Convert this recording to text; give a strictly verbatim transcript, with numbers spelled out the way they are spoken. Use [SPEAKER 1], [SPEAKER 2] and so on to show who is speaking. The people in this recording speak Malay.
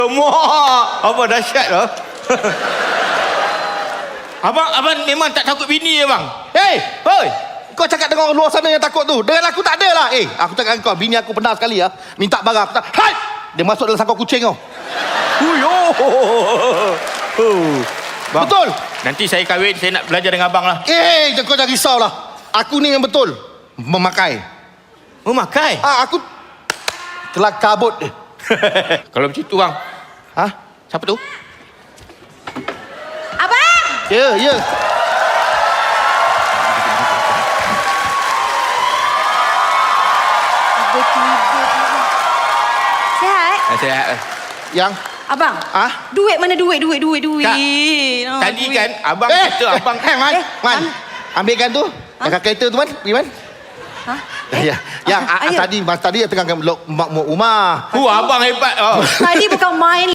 [SPEAKER 1] Mak, abang dahsyat lah. abang, abang memang tak takut bini ya bang?
[SPEAKER 2] Hei, hoi. Kau cakap dengan orang luar sana yang takut tu. Dengan aku tak ada lah. Eh, aku cakap dengan kau, bini aku pernah sekali ya. Minta barang, aku tak. Hai! Dia masuk dalam sangkau kucing kau.
[SPEAKER 1] Huyo. Bang,
[SPEAKER 2] Betul?
[SPEAKER 1] nanti saya kahwin, saya nak belajar dengan abang lah.
[SPEAKER 2] Eh, kau jangan risau lah. Aku ni yang betul. Memakai.
[SPEAKER 1] Memakai?
[SPEAKER 2] Ah, aku telah kabut.
[SPEAKER 1] Kalau macam tu bang.
[SPEAKER 2] Ha?
[SPEAKER 1] Siapa tu?
[SPEAKER 3] Abang!
[SPEAKER 2] Ya, ya.
[SPEAKER 3] Sihat?
[SPEAKER 1] Sihat.
[SPEAKER 2] Yang?
[SPEAKER 3] Abang?
[SPEAKER 2] Ah?
[SPEAKER 3] Duit mana duit, duit, duit, duit.
[SPEAKER 1] Kak,
[SPEAKER 3] Oh,
[SPEAKER 1] Tadi
[SPEAKER 3] duit.
[SPEAKER 1] kan abang
[SPEAKER 2] Eh,
[SPEAKER 1] kata abang...
[SPEAKER 2] Eh, Man,
[SPEAKER 3] Eh,
[SPEAKER 2] Man.
[SPEAKER 3] Man.
[SPEAKER 2] Ambilkan tu.
[SPEAKER 3] Ha?
[SPEAKER 2] Dekat kereta tu, Man. Pergi, Man.
[SPEAKER 3] Ha?
[SPEAKER 2] Ya, yang
[SPEAKER 3] Ah,
[SPEAKER 2] ah,
[SPEAKER 3] ayo.
[SPEAKER 2] tadi, Mas tadi tengah meluk mak rumah.
[SPEAKER 1] Hu, abang hebat. Oh.
[SPEAKER 3] Tadi bukan main